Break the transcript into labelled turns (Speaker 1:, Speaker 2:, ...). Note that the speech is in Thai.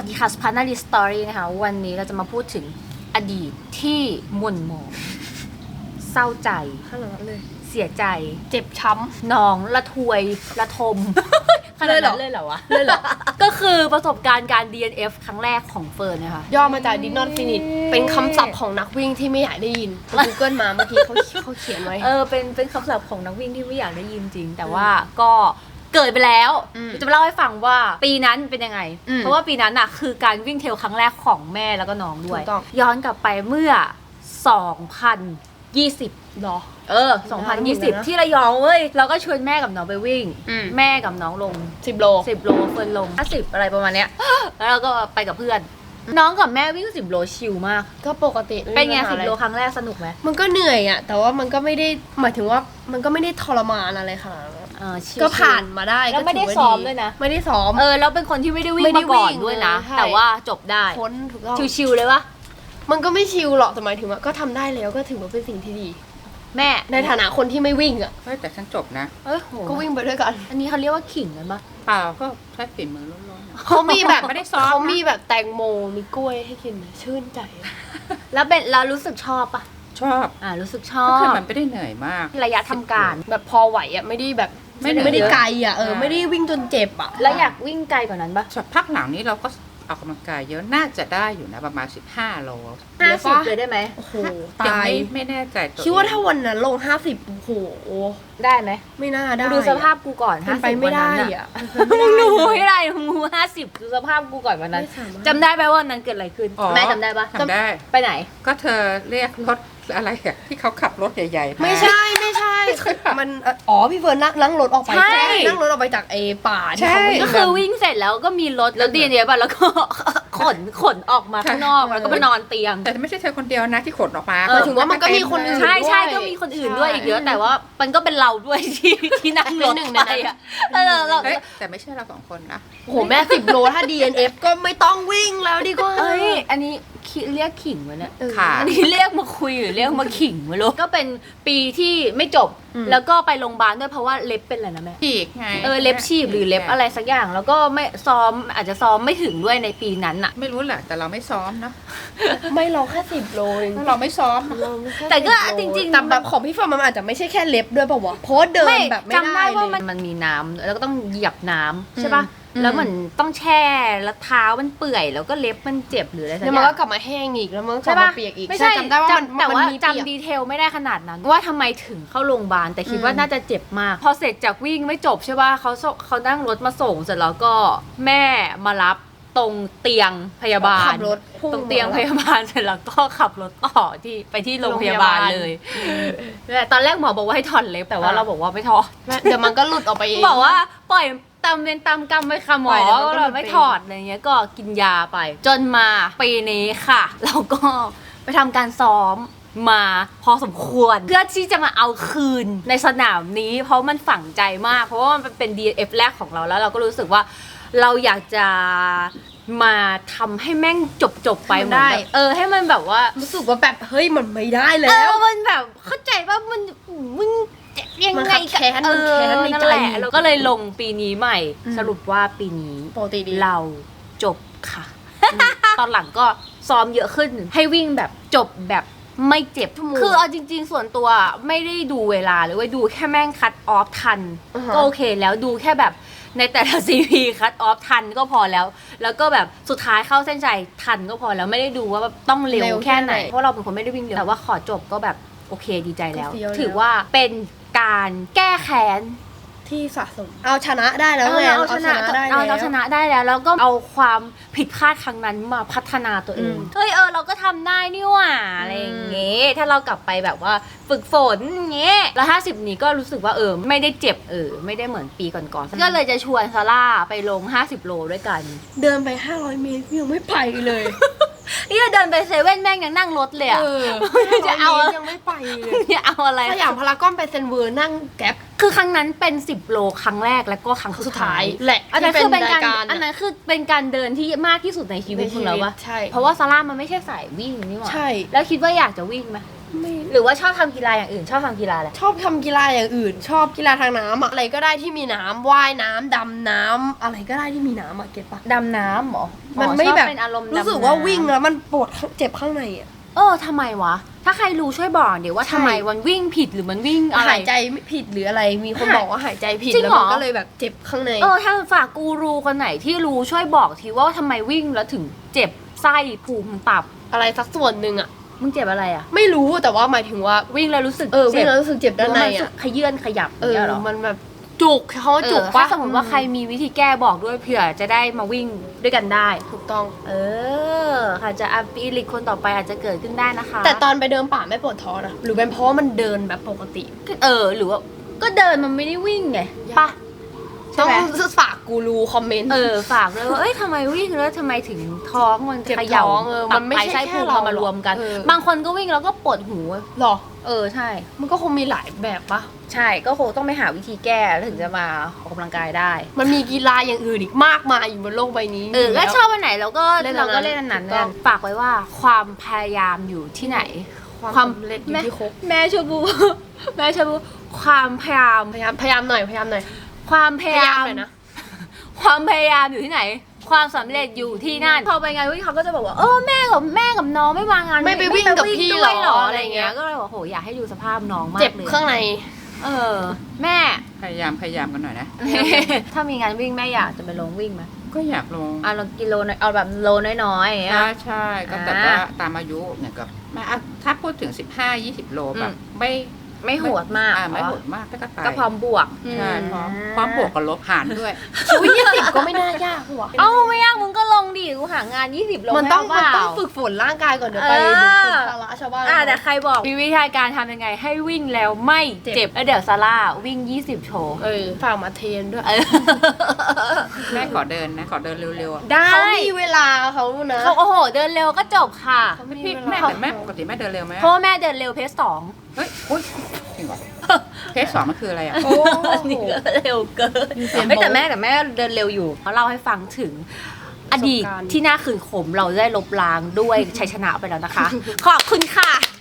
Speaker 1: วัสดีค่ะสุภาพนารีสตอรี่นะคะวันนี้เราจะมาพูดถึงอดีตที่หม่นหมองเศร้าใจ
Speaker 2: ขนาดนั้นเลย
Speaker 1: เสียใจ
Speaker 2: เจ็บช้
Speaker 1: ำหนองละทวยละทมขนาดนั้นเลยเหรอวะเลยเหรอก็คือประสบการณ์การ DNF ครั้งแรกของเฟิร์นนะคะ
Speaker 2: ย่อมาจาก Did not finish เป็นคำศัพท์ของนักวิ่งที่ไม่อยากได้ยิน Google มาเมื่อกี้เขาเขียนไว้
Speaker 1: เป็นคำศัพท์ของนักวิ่งที่ไม่อยากได้ยินจริงแต่ว่าก็เกิดไปแล้วจะมาเล่าให้ฟังว่าปีนั้นเป็นยังไงเพราะว่าปีนั้นน่ะคือการวิ่งเทรลครั้งแรกของแม่แล้วก็น้องด้วยย้อนกลับไปเมื่อ2020
Speaker 2: หรอ
Speaker 1: 2020ที่ระยองเว้ยเราก็ชวนแม่กับน้องไปวิ่งแม่กับน้องลง
Speaker 2: 10 โล
Speaker 1: เฟิร์นลง50อะไรประมาณเนี้ยแล้วเราก็ไปกับเพื่อนน้องกับแม่วิ่ง10 โลชิลมาก
Speaker 2: ก็ปกติ
Speaker 1: เป็นไง10 โลครั้งแรกสนุกไหม
Speaker 2: มันก็เหนื่อยอ่ะแต่ว่ามันก็ไม่ได้หมายถึงว่ามันก็ไม่ได้ทรมานอะไรค่ะก็ผ่านมาได้
Speaker 1: แล้วไม่ได้ซ้อมด้วยนะ
Speaker 2: ไม่ได้ซ้อม
Speaker 1: แล้วเป็นคนที่ไม่ได้วิ่งมาก่อนด้วยนะแต่ว่าจบได้
Speaker 2: พ้นถูกต้อง
Speaker 1: ชิลๆเลยวะ
Speaker 2: มันก็ไม่ชิลหรอกแต่หมายถึงว่าก็ทำได้แล้วก็ถือว่าเป็นสิ่งที่ดี
Speaker 1: แม่
Speaker 2: ในฐานะคนที่ไม่วิ่งอ่ะ
Speaker 3: แต่ฉันจบนะ
Speaker 2: ก็วิ่งไปด้วยกัน
Speaker 1: อันนี้เขาเรียกว่าขิงเลยปะ
Speaker 3: เปล่าก็ใช้ฝีมือล้วน
Speaker 2: ๆเขามีแบบไม่ได้ซ้อมเขามีแบบแตงโมมีกล้วยให้กินชื่นใจ
Speaker 1: แล้วเป็นเรารู้สึกชอบปะ
Speaker 3: ชอบ
Speaker 1: รู้สึกชอบ
Speaker 3: ก็คือมันไม่ได้เหนื่อยมาก
Speaker 1: ระยะทำการ
Speaker 2: แบบพอไหวอ่ะไม่ได้แบบไม่ได้ไกลอ่ะไม่ได้วิ่งจนเจ็บอ่ะ
Speaker 1: แล้วอยากวิ่งไกลกว่านั้นปะ
Speaker 3: พักหลังนี้เราก็ออกกำลังกายเยอะน่าจะได้อยู่นะประมาณ15 โล
Speaker 1: 50เลยได้ไหม
Speaker 2: โอ้โห
Speaker 3: ตายไม่แน่ใจ
Speaker 2: คิดว่าถ้าวันนั้นลง50โอ้โห
Speaker 1: ได้ไหม
Speaker 2: ไม่น่าได้
Speaker 1: ดูสภาพกูก่อน
Speaker 2: 50ไปไม่ได้อ่ะ
Speaker 1: มึงดูไม่ได้มึง50ดูสภาพกูก่อนวันนั้นจำได้ไหมว่านั้นเกิดอะไรขึ้นแม่จำได้ปะ
Speaker 3: จำได้
Speaker 1: ไปไหน
Speaker 3: ก็เธอเรียกรถอะไรอะที่เขาขับรถใหญ่ๆ
Speaker 2: ไม่ใช่มันพี่เฟิร์นนั่งรถออกไปนั่งรถออกไปจากป่า
Speaker 1: ก็คือวิ่งเสร็จแล้วก็มีรถแล้วดีเนี่ยป่ะแล้วก็ขนออกมาข้างนอกแล้วก็มานอนเตียง
Speaker 3: แต่ไม่ใช่เธอคนเดียวนะที่ขนออกมา
Speaker 2: ถึงว่ามันก็มีคนอื่น
Speaker 1: ใช่ก็มีคนอื่นด้วยอีกเยอะแต่ว่ามันก็เป็นเราด้วยที่นั่งรถไปอ่ะ
Speaker 3: แต่ไม่ใช่เรา2 คนนะ
Speaker 2: โอ้โหแม่10 โลถ้า DNF ก็ไม่ต้องวิ่งแล้วดีกว่า
Speaker 1: อันนี้เรียกขิงวะเนี่ยอันนี้เรียกมาคุยหรือเรียกมาขิงไม่รู้ก็เป็นปีที่ไม่จบแล้วก็ไปโรงพยาบาลด้วยเพราะว่าเล็บเป็นอะไรนะแม่
Speaker 3: ฉีกไง
Speaker 1: เล็บฉีกหรือเล็บอะไรสักอย่างแล้วก็ไม่ซ้อมอาจจะซ้อมไม่ถึงด้วยในปีนั้นอะ
Speaker 3: ไม่รู้แหละแต่เราไม่ซ้อมนะ
Speaker 2: ไม่เราแค่10 โลเอง
Speaker 3: เราไม่ซ้อม
Speaker 1: แต่ก็จริงๆ
Speaker 2: แต่แบบของพี่ฟอร์มมันอาจจะไม่ใช่แค่เล็บด้วยป่าววะเพราะเดินแบบไม่ได้
Speaker 1: จำได้ว่ามันมีน้ำแล้วก็ต้องเหยียบน้ำใช่ป่ะแล้วเหมือนต้องแช่แล้วเท้ามันเปื่อยแล้วก็เล็บมันเจ็บหรืออะไรสักอย่าง
Speaker 2: แล้วมันก็กลับมาแห้งอีกแล้วมันก็กลับมาเปียกอีก
Speaker 1: ไม่ใช่จำได้ว่าแต่ว่าจำดีเทลไม่ได้ขนาดนั้นว่าทำไมถึงเข้าโรงพยาบาลแต่คิดว่าน่าจะเจ็บมากพอเสร็จจากวิ่งไม่จบใช่ป่ะเขานั่งรถมาส่งเสร็จแล้วก็แม่มารับตรงเตียงพยาบาลตรงเตียงพยาบาลเสร็จแล้วก็ขับรถต่อไปที่โรงพยาบาลเลยตอนแรกหมอบอกว่าให้ถอนเล็บแต่ว่าเราบอกว่าไม่ถอด
Speaker 2: เดี๋ยวมันก็หลุดออกไปเอง
Speaker 1: บอกว่าปล่อยตามเวรตามกรรมไปค่ะหมอเราไม่ถอดอะไรเงี้ยก็กินยาไปจนมาปีนี้ค่ะเราก็ไปทำการซ้อมมาพอสมควรเพื่อที่จะมาเอาคืนในสนามนี้เพราะมันฝังใจมากเพราะว่ามันเป็น DNF แรกของเราแล้วเราก็รู้สึกว่าเราอยากจะมาทำให้แม่งจบไปได้ให้มันแบบว่า
Speaker 2: รู้สึกว่าแบบเฮ้ยมันไม่ได้แล้ว
Speaker 1: มันแบบเข้าใจว่ามึงยังไง
Speaker 2: แค้นในใจ
Speaker 1: เราก็เลยลงปีนี้ใหม่สรุปว่าปีนี้เราจบค่ะตอนหลังก็ซ้อมเยอะขึ้นให้วิ่งแบบจบแบบไม่เจ็บคือเอาจริงๆส่วนตัวไม่ได้ดูเวลาหรือว่าดูแค่แม่งคัตออฟทันก็โอเคแล้วดูแค่แบบในแต่ละ CP คัตออฟทันก็พอแล้วก็แบบสุดท้ายเข้าเส้นชัยทันก็พอแล้วไม่ได้ดูว่าต้องเร็วแค่ไหนเพราะเราเป็นคนไม่ได้วิ่งเร็วแต่ว่าขอจบก็แบบโอเคดีใจแล้วถือว่าเป็นการแก้แค้น
Speaker 2: ที่สะสมเอาชนะได้แล้ว
Speaker 1: เอาชนะได้แล้วก็เอาความผิดพลาดครั้งนั้นมาพัฒนาตัวเองเราก็ทำได้นี่หว่าอะไรอย่างเงี้ยถ้าเรากลับไปแบบว่าฝึกฝนอย่างเงี้ยแล้ว50นี้ก็รู้สึกว่าไม่ได้เจ็บไม่ได้เหมือนปีก่อนๆก็เลยจะชวนซาร่าไปลง50 โลด้วยกัน
Speaker 2: เดินไป500 เมตรยังไม่ไปเลย
Speaker 1: นี่เดินไปเซเว่นแม่งยังนั่งรถเลย
Speaker 2: จะเอายังไม่ไปเลย
Speaker 1: จะเอาอะไร
Speaker 2: สยามพารากอนไปเซนเวอร์นั่งแก๊ป
Speaker 1: คือครั้งนั้นเป็น10 โลครั้งแรกแล้วก็ครั้งสุดท้าย
Speaker 2: แหละ
Speaker 1: อันนั้นคือเป็นการเดินที่มากที่สุดในชีวิตของเราวะเพราะว่าซาร่ามันไม่ใช่สายวิ่งนี่หว่า
Speaker 2: ใช่
Speaker 1: แล้วคิดว่าอยากจะวิ่งไหม
Speaker 2: ไม่
Speaker 1: หรือว่าชอบทำกีฬาอย่างอื่น ชอบทำกีฬาอะไร
Speaker 2: ชอบทำกีฬาอย่างอื่น ชอบกีฬาทางน้ำอะอะไรก็ได้ที่มีน้ำว่ายน้ำดำน้ำอะไรก็ได้ที่มีน้ำอะเก็ตปะ
Speaker 1: ดำน้ำเหรอ
Speaker 2: มันไม่
Speaker 1: ชอ
Speaker 2: แบบ
Speaker 1: เป็นอารมณ์
Speaker 2: รู้สึก
Speaker 1: ดำน้ำ
Speaker 2: ว่าวิ่งแล้วมันปวดเจ็บข้างในอะ
Speaker 1: ทำไมวะ ถ้าใครรู้ช่วยบอกเดี๋ยวว่า
Speaker 2: ใช่
Speaker 1: ทำไมมันวิ่งผิดหรือมันวิ่งอะไร
Speaker 2: หายใจไม่ผิดหรืออะไรมีคนบอกว่าหายใจผิด
Speaker 1: จริง
Speaker 2: แล้ว
Speaker 1: เหรอ
Speaker 2: มันก็เลยแบบเจ็บข้างใน
Speaker 1: ถ้าฝากกูรูคนไหนที่รู้ช่วยบอกทีว่าทำไมวิ่งแล้วถึงเจ็บไส้พุงตับ
Speaker 2: อะไรสักส่วนหนึ่งอะ
Speaker 1: มึงเจ็บอะไรอ่ะ
Speaker 2: ไม่รู้แต่ว่าหมายถึงว่า
Speaker 1: วิ่งแล้วรู้สึก
Speaker 2: วิ่งแล้วรู้สึกเจ็บด้านใน
Speaker 1: หรือมัรู้สึ
Speaker 2: อะ
Speaker 1: กขยื่นขยับอย่างเงี้ยเหรอ
Speaker 2: มันแบบจุกเขาว่าจุก
Speaker 1: ถ้า
Speaker 2: ปะ
Speaker 1: สมมติว่าใครมีวิธีแก้บอกด้วยเผื่อจะได้มาวิ่งด้วยกันได้
Speaker 2: ถูกต้อง
Speaker 1: ค่ะจะอีลิกคนต่อไปอาจจะเกิดขึ้นได้นะคะ
Speaker 2: แต่ตอนไปเดินป่าไม่ปวดท้องนะหรือเป็นเพราะว่ามันเดินแบบปกติ
Speaker 1: หรือว่าก็เดินมันไม่ได้วิ่งไงปะใช่
Speaker 2: ต้อง
Speaker 1: ไหม
Speaker 2: ฝากกูรูคอมเมนต์
Speaker 1: ฝากเลยว่าทำไมวิ่งแล้วทำไมถึงท้องมัน
Speaker 2: เจ็บ
Speaker 1: เขย่า
Speaker 2: ท้องมันไม่ใช่
Speaker 1: ไส้
Speaker 2: แค่
Speaker 1: พุง
Speaker 2: เรา
Speaker 1: มารวมกัน
Speaker 2: เออ
Speaker 1: บางคนก็วิ่งแล้วก็ปวดหู
Speaker 2: หรอ
Speaker 1: ใช่
Speaker 2: มันก็คงมีหลายแบบปะ
Speaker 1: ใช่ก็คงต้องไปหาวิธีแก้แล้วถึงจะมาออกกำลังกายได้
Speaker 2: มันมีกีฬาอย่างอื่นอีกมากมายอยู่บนโลกใบนี้
Speaker 1: ก็
Speaker 2: แล้ว
Speaker 1: ชอบอันไหนเราก็
Speaker 2: เล่นอันนั้น
Speaker 1: เราก็เล่นอันนั้น
Speaker 2: ถูกต้อง
Speaker 1: ฝากไว้ว่าความพยายามอยู่ที่ไหน
Speaker 2: ความสำเร็จอยู่ที่ครบ
Speaker 1: แม่ชบู แม่ชบูความพยายาม
Speaker 2: พยายามหน่อย
Speaker 1: ความพยายาม
Speaker 2: หน่อยนะ
Speaker 1: ความพยายามอยู่ที่ไหน ความสำเร็จอยู่ที่นั่นพอไปงานวิ่งเขาก็จะบอกว่าแม่กับน้องไม่มางาน
Speaker 2: ไม่ไปวิ่งกับพี่
Speaker 1: ด้วย
Speaker 2: หรอ
Speaker 1: อะไรเงี้ยก็เลยบอกโหอยากให้ดูสภาพน้องมาก
Speaker 2: เจ็บ
Speaker 1: เลย
Speaker 2: ข้างใน
Speaker 1: แม่
Speaker 3: พยายามกันหน่อยนะ
Speaker 1: ถ้ามีงานวิ่งแม่อยากจะไปลงวิ่งไหม
Speaker 3: ก็อยากลง
Speaker 1: เอากิโลเอาแบบโลน้อยๆอย่างเงี้ย
Speaker 3: ใช่ก็แต่ว่าตามอายุเนี่ยก็ถ้าพูดถึง 15-20 โลแบบ
Speaker 1: ไม่โหดมาก
Speaker 3: ไม่โหดมากก็ไป
Speaker 1: ก็พร้อมบวก
Speaker 3: ใช่พร้อมบวกกับลบหารด้วย
Speaker 2: อุ้ย20ก็ไม่น่ายากหัว
Speaker 1: ไม่ยากมึงก็ลงดิกูหางาน20ลง
Speaker 2: มันต้อง
Speaker 1: ให้เปล่า
Speaker 2: ฝึกฝนร่างกายก่อนเดี๋ยวไปดูภาระชาวบ้าน
Speaker 1: แต่ใครบอกมีวิธีการทำยังไงให้วิ่งแล้วไม่เจ็บแล้วเดี๋ยวซาร่าวิ่ง20โชว์
Speaker 2: ฝากมาเทรนด้วย
Speaker 3: แม่ขอเดินนะขอเดินเร็วๆ
Speaker 1: ได้
Speaker 2: เขามีเวลาเขานะ
Speaker 1: เขาเดินเร็วก็จบค่ะ
Speaker 2: เขาไม่มี
Speaker 3: พี่
Speaker 2: เวลา
Speaker 3: แต่แม่ปกติแม่เดินเร็วไหม
Speaker 1: เพราะว่าแม่เดินเร็วเพจ2
Speaker 3: เฮ้ยอุ๊ยจริงเหรอเพจ2มันคืออะไรอ่ะ
Speaker 2: โอ้
Speaker 1: นี่ก็เร็วเกิน
Speaker 2: มีเสียง
Speaker 1: แต่แม่เดินเร็วอยู่เขาเล่าให้ฟังถึงอดีต
Speaker 2: ประสบการณ์
Speaker 1: ที่น่าขืนขมเราได้ลบล้างด้วยชัยชนะไปแล้วนะคะ ขอบคุณค่ะ